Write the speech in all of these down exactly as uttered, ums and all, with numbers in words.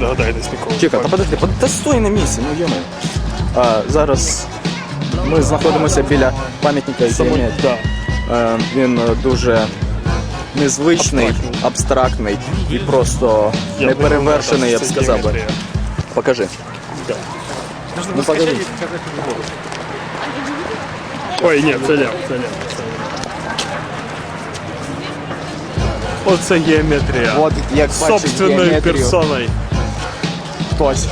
догадаєтесь ніколи. Чекай, та подожди, под- та стой на місці, ну йому. А, зараз ми знаходимося біля пам'ятника геометрії. Да. Е, Він дуже незвичний, Абстрактний. абстрактний і просто Я неперевершений, я б думаю, це сказав би. геометрія. Покажи. Да. Ну покажи. Ой, ні, це ляп, це ляп. Оце геометрія. От як бачиш Собственною геометрію. персоною. Хтось.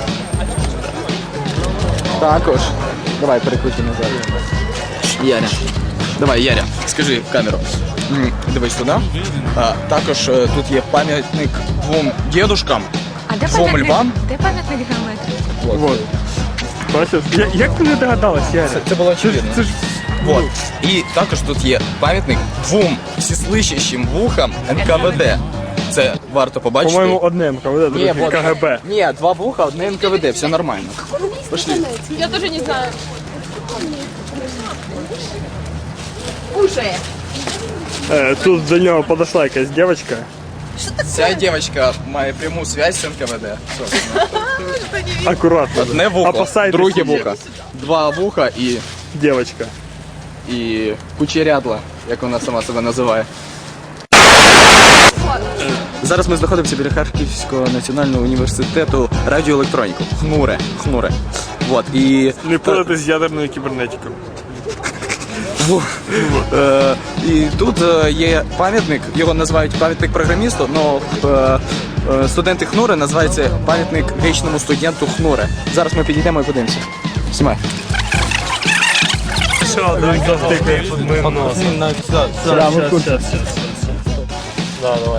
Також. Давай, перекрути назад. Яря. Давай, Яря, скажи в камеру. М, Дивись туди. А, також е, тут є пам'ятник двом дідушкам, А де двом пам'ятник? львам. Де пам'ятник геометрії? Вот. Бачиш? Я- Як ти не догадалась, Яря? Це, це було очевидно. Це ж... Вот. І також тут є пам'ятник двом всеслышащим вухам ен ка ве де. Це варто побачити. По-моєму, одне ем ка ве де, Ні, друге вот- ка ге бе. Ні, два вуха, одне ен ка ве де, все нормально. Пошли. Я тоже не знаю. Уже. Е, Тут до нього подошла якась дівчинка. Ця дівчинка має пряму зв'язь з ен ка ве де. собственно. Акуратно. Одне вухо, Опасайтесь друге її. вухо. Два вуха і, Дівчинка. і кучерядла, як вона сама себе називає. Зараз ми знаходимося біля Харківського національного університету радіоелектроніку. Хнуре. Хнуре. Вот. І, Не плутати з ядерною кібернетикою. Во. Е, і тут е, є пам'ятник, його називають пам'ятник програмісту, але е, студенти Хнури називаються пам'ятник вічному студенту Хнури. Зараз ми підійдемо і подивимося. Знімай. Що, він завтикає під моїм носом. Щас, щас, щас, щас. Да, давай.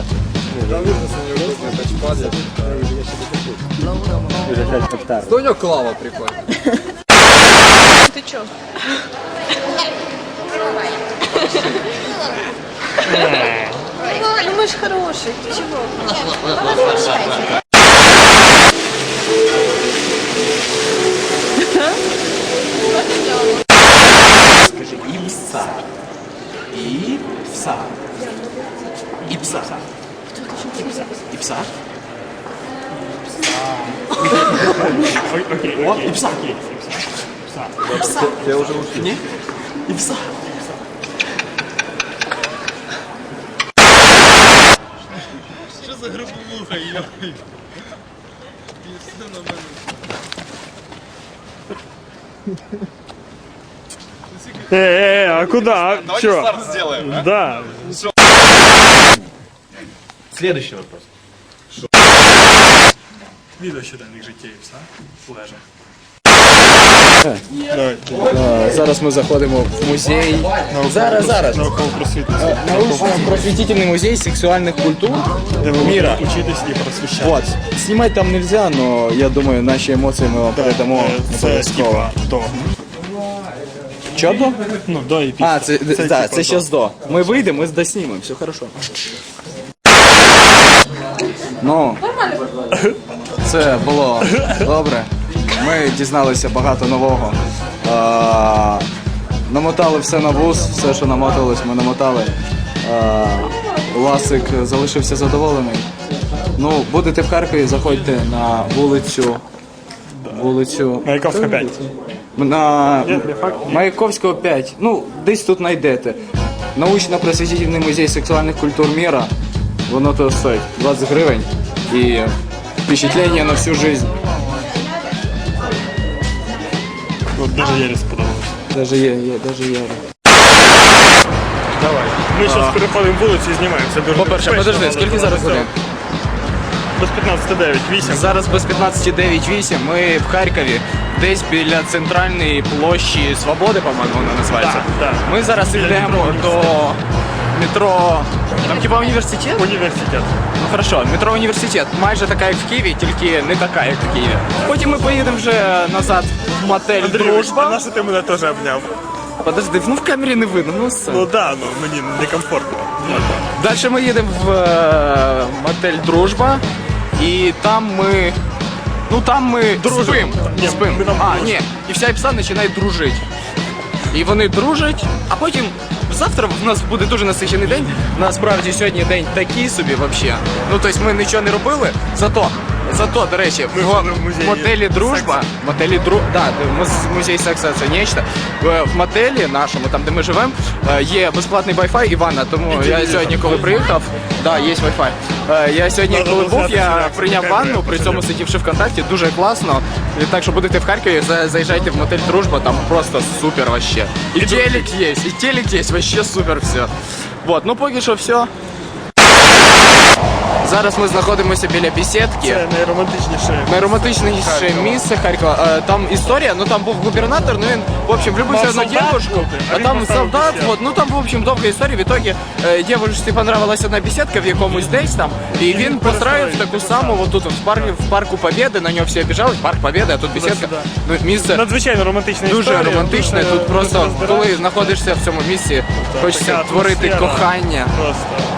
Хто у нього клава прикольна? Ты чё? Ну мы ж хорошие, ты чего? Скажи, іпса. Іпса. Іпса. Іпса. О, іпса. Іпса. Я вже ушли. Ні? Іпса. Що за грубовуха, йой? Э, э, а куда? А, чё? старт сделаем, а? Да. Следующий вопрос. Відео щоденних життєвця, лежа. Зараз ми заходимо в музей. Зараз, зараз. Науково-просвітницький. Научно-просветительный музей сексуальных культур Де ви мира. можете учитись і просвіщати. Вот. Снимать там нельзя, но я думаю, наши эмоции мы вам передамо Е, Це обов'язково. типа до. Чо до? Ну, до і після. А, це, це, типа да, це до. зараз до. Ми вийдемо, ми доснімемо, все хорошо. Ну, це було добре. Ми дізналися багато нового. А, намотали все на вуз, все, що намоталось, ми намотали. А, Ласик залишився задоволений. Ну, будете в Харкові, заходьте на вулицю. Вулицю. Маяковська п'ять. На Ні, не факт, ні. Маяковського п'ять. Ну, десь тут знайдете. Научно-просвітительний музей сексуальних культур міра. Воно то стоїть двадцять гривень. І впечатлення на всю жизнь. От дуже Єрі сподобалось. Даже є, є, даже є. Давай. Ми зараз переходимо вулицю і знімаємо. Це дуже По-перше, безпечно, подожди, але скільки дуже зараз весело. годин? Без п'ятнадцять дев'ять, вісім. Зараз без п'ятнадцять дев'ять вісім. Ми в Харкові, десь біля центральної площі Свободи, по-моєму, вона називається. Так, так. Ми зараз Біля йдемо метро. до метро. Там хіба університет? Університет. Ну хорошо, метро університет. Майже така, як в Києві, тільки не така, як в Києві. Потім ми поїдемо вже назад в мотель Андрій, а Дружба. на що ти мене теж обняв? Подожди, ну в камері не видно, ну все. Ну да, ну мені некомфортно. Далі ми їдемо в е, мотель Дружба. І там ми. Ну там ми Дружимо. спим. Ні, спим. ми там А, дружимо. ні. І вся іпса починає дружити. І вони дружать, а потім завтра в нас буде дуже насичений день. Насправді сьогодні день такий собі взагалі. Ну тобто ми нічого не робили, зато Зато, до речі, Ми в ходимо в музей мотелі Дружба, мотелі Дру... да, муз- музей секса це нечто. В в мотелі нашому, там де ми живемо, е, є безплатний Wi-Fi і ванна. Тому я сьогодні, коли приїхав, да, є Wi-Fi. Е, Я сьогодні, Надо коли було був, знати, я як прийняв це ванну, треба при цьому зробити. сидівши ВКонтакті, дуже класно. І так що будете в Харкові, за- заїжджайте в мотель Дружба, там просто супер вообще. І телек є, і телек є, вообще супер все. Вот, ну поки що все. Зараз ми знаходимося біля бесідки. Це найромантичніше. Найромантичніше Харкова. місце Харкова. Е, Там історія, ну там був губернатор, ну він, в общем, влюбився Мав в одну солдат девушку, бути, а а він там поставив солдат, бесідку. вот, ну там, в общем, довга історія. В итоге е, девушці понравилась одна бесідка в якомусь десь там, і він він построїв перестроїв таку таку саму, саму. вот тут в парку, в парку Побєди, на нього всі обіжались, парк Побєди, а тут бесідка. Туди-сюди. Ну, місце Надзвичайно романтична дуже історія. романтичне, дуже- тут просто, дуже коли розбираєш. знаходишся в цьому місці, хочеться така творити атмосфера. кохання. Просто.